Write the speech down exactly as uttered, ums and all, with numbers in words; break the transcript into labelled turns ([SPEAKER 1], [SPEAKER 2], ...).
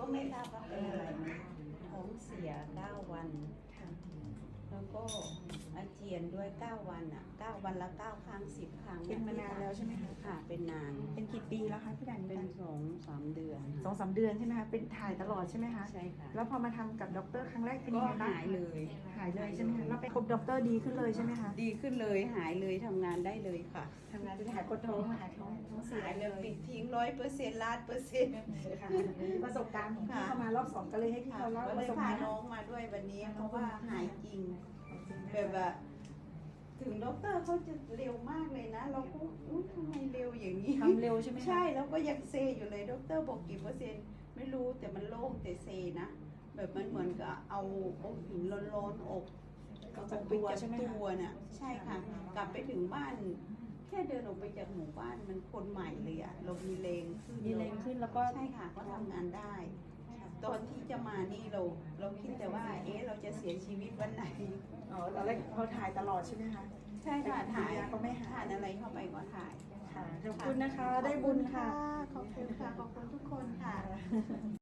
[SPEAKER 1] ไม่ทราบว่าเป็นอะไรนะท้องเสียเก้าวันแล้วก็อาเจียนด้วยเก้าวันอ่ะเก้าวันละเก้าครั้งสิบครั้ง
[SPEAKER 2] เป็นมานานแล้วใช่ไหมคะ
[SPEAKER 1] ค่ะเป็นนาน
[SPEAKER 2] เป็นกี่ปีแล้วคะพี่แดน
[SPEAKER 1] เป็นสองสามเดือน
[SPEAKER 2] สองสามเดือนใช่ไหมคะเป็นถ่ายตลอดใช่ไหมคะ
[SPEAKER 1] ใช่ค่ะ
[SPEAKER 2] แล้วพอมาทำกับด็อกเตอร์ครั้งแรกเป็น
[SPEAKER 1] ก็
[SPEAKER 2] ยังไงบ้าง
[SPEAKER 1] หายเลย
[SPEAKER 2] หายเลยใช่ไหมคะแล้วไปพบด็อกเตอร์ดีขึ้นเลยใช่ไหมคะ
[SPEAKER 1] ดีขึ้นเลยหายเลยทำงานได้เลยค่ะ
[SPEAKER 2] ทำงานจะหายปวดท้องหายท้องท้องเสีย
[SPEAKER 1] หาย
[SPEAKER 2] เล
[SPEAKER 1] เลย
[SPEAKER 2] ย
[SPEAKER 1] ปิดทิ้งร้อยเปอร์เซ็นต์ล้านเปอร์เซ็นต์
[SPEAKER 2] ค่ะประสบการณ์ของพี่เข้ามารอบสองก็เลยให้พี่
[SPEAKER 1] ค่ะ
[SPEAKER 2] เขาเล่า
[SPEAKER 1] ก็
[SPEAKER 2] ป
[SPEAKER 1] เล
[SPEAKER 2] ระ
[SPEAKER 1] ย
[SPEAKER 2] สบ
[SPEAKER 1] พา
[SPEAKER 2] การณ์
[SPEAKER 1] น้องมาด้วยวันนี้เพราะว่าหายจริงแบบว่าถึงด็อกเตอร์เขาจะเร็วมากเลยนะ เราก็อุ้ยทำไมเร็วอย่างนี้
[SPEAKER 2] ทำเร็วใช่ไหมคะ
[SPEAKER 1] ใช่แล้วก็ยังเซอยู่เลยด็อกเตอร์บอกกี่เปอร์เซ็นต์ไม่รู้แต่มันโล่งแต่เซนะแบบมันเหมือนกับเอาเอาหินร้อนๆอก
[SPEAKER 2] ออกจากตัวใช่ไหม
[SPEAKER 1] ตั
[SPEAKER 2] คะ
[SPEAKER 1] วน่ะใช่ค่ะ กลับไปถึงบ้าน แค่เดินออกไปจากหมู่บ้านมันคนใหม่เลยอะเรามีแรงขึ้น
[SPEAKER 2] มีแรงขึ้นแล้วก็
[SPEAKER 1] ใช่ค่ะก็ทำงานได้ ตอนที่จะมานี่เราเราคิดแต่ว่า เอ๊ะเราจะเสียชีวิตวันไหน
[SPEAKER 2] อ๋อตอนแรกพอถ่ายตลอดใช่ไหมคะ
[SPEAKER 1] ใช่ค่ะถ่าย
[SPEAKER 2] ก็ไม่หาย
[SPEAKER 1] ทานอะไรเข้าไปก็ถ่าย
[SPEAKER 2] ค่ะขอบคุณนะคะได้บุญค่ะ
[SPEAKER 1] ขอบคุณค่ะ ขอบคุณทุกคนค่ะ